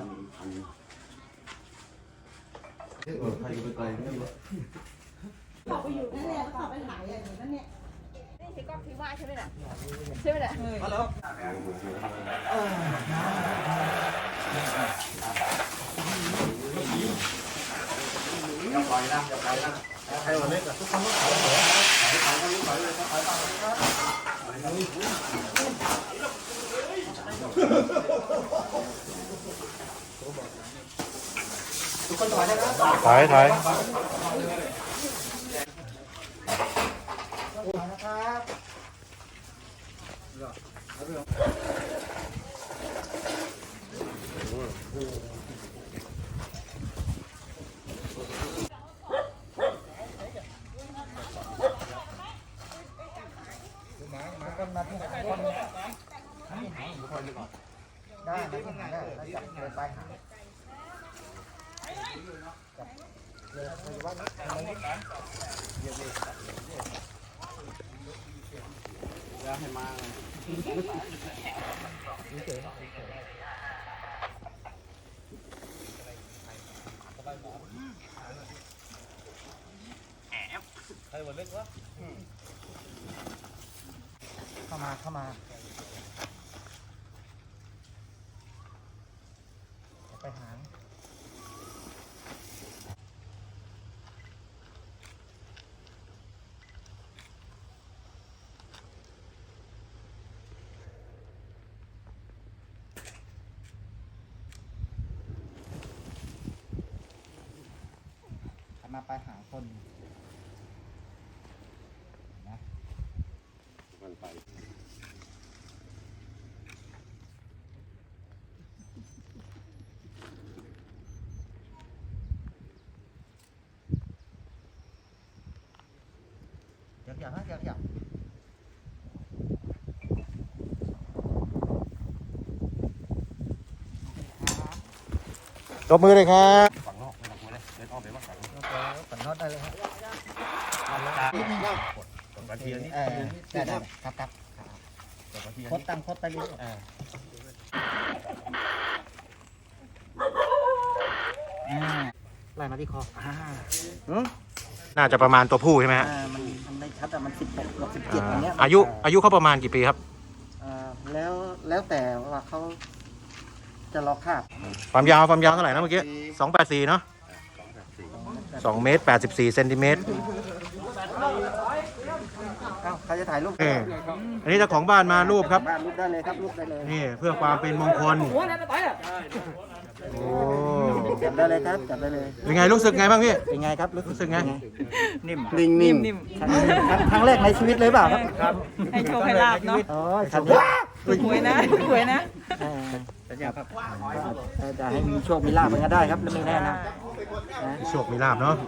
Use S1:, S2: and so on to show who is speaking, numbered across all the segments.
S1: ใครไปไกลไม่รู้
S2: เขาไปอยู่นั่นแหละเขาไปหายอย่างนั้นเนี่ยนี่ที่ก็ที่ว่าใช่ไหมล่ะใช่ไหมล่ะฮัลโหล
S1: อย่าปล่อยนะอย่าปล่อยนะใครวันนี้กับทุกคนต้องถอยเลยถอยทุกคนถอยนะครับ
S3: ถ่าย
S1: นะครับได้ไหมที่หาได้แล้วจับเลยไปหาอย่าให้มาใครวันเล็กวะเข้ามาไปหามาไปหาคนนะมันไปอยาก
S3: ตบมือเลยครับ
S1: ฝั่งนอกไม่ต้องกลัวเลยเดินอ้อมไปว่าฝั่งนอกได้เลยครับกระเทียมนี่ได้ครับโคตรตั้งโคตรไปเรื่อยไล่มาที่คอ
S3: น่าจะประมาณตัวผู้ใช่ไหมฮะ
S1: มันไม่ชัดแต่มัน16 17อย่างเงี้ย
S3: อายุเขาประมาณกี่ปีครับ
S1: แล้วแต่ว่าเขาจะรอคาบ
S3: ความยาวเท่าไหร่นะเมื่อกี้284เนาะ2 เมตร 84 เซนติเมตร
S1: ใครจะถ่ายรูป
S3: อันนี้เจ้าของบ้านมารูปครับ
S1: รูปได้เลยครับรูปได้เลย
S3: นี่เพื่อความเป็นมงคลโอ้
S1: จับได้เลยครับจับได้เลย
S3: เป็นไงรู้สึกไงบ้างพี่
S1: เป็นไงครับ
S3: รู้สึกไง
S1: นิ่มครั้งแรกในชีวิตเลยเปล่าครับ
S2: ให้โชว์ให้ลาบเนาะ
S1: อ๋อ
S2: หวยนะ
S1: จะให้มีโชคมีลาบมันก็ได้ครับแล้วไม่แน่นะ
S3: โชคมีลาบเนาะ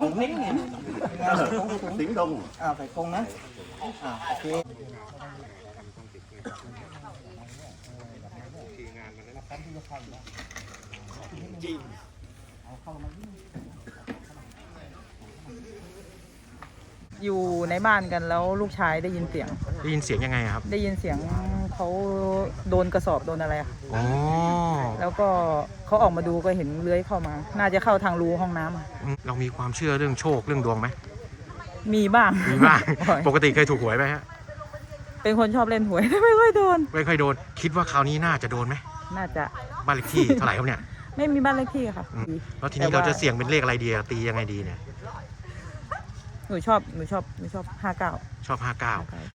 S1: สิงดงใส่กงนะโอเค
S2: อยู่ในบ้านกันแล้วลูกชายได้ยินเสียง
S3: ยังไงครับ
S2: ได้ยินเสียงเขาโดนกระสอบโดนอะไรค่ะแล้วก็เขาออกมาดูก็เห็นเลื้อยเข้ามาน่าจะเข้าทางรูห้องน้ำ
S3: เรามีความเชื่อเรื่องโชคเรื่องดวงไหม
S2: มีบ้าง
S3: ปกติเคยถูกหวยไหมฮะ
S2: เป็นคนชอบเล่นหวยไม่ค่อยโดน
S3: คิดว่าคราวนี้น่าจะโดนไหม
S2: น่าจะ
S3: บ้านเลขที่เท่าไหร่ครับเนี่ย
S2: ไม่มีบ้านเลขที่ค่ะ
S3: แล้วทีนี้เราจะเสี่ยงเป็นเลขอะไรดีตียังไงดีเนี่ย
S2: หนูชอบ59
S3: ชอบ59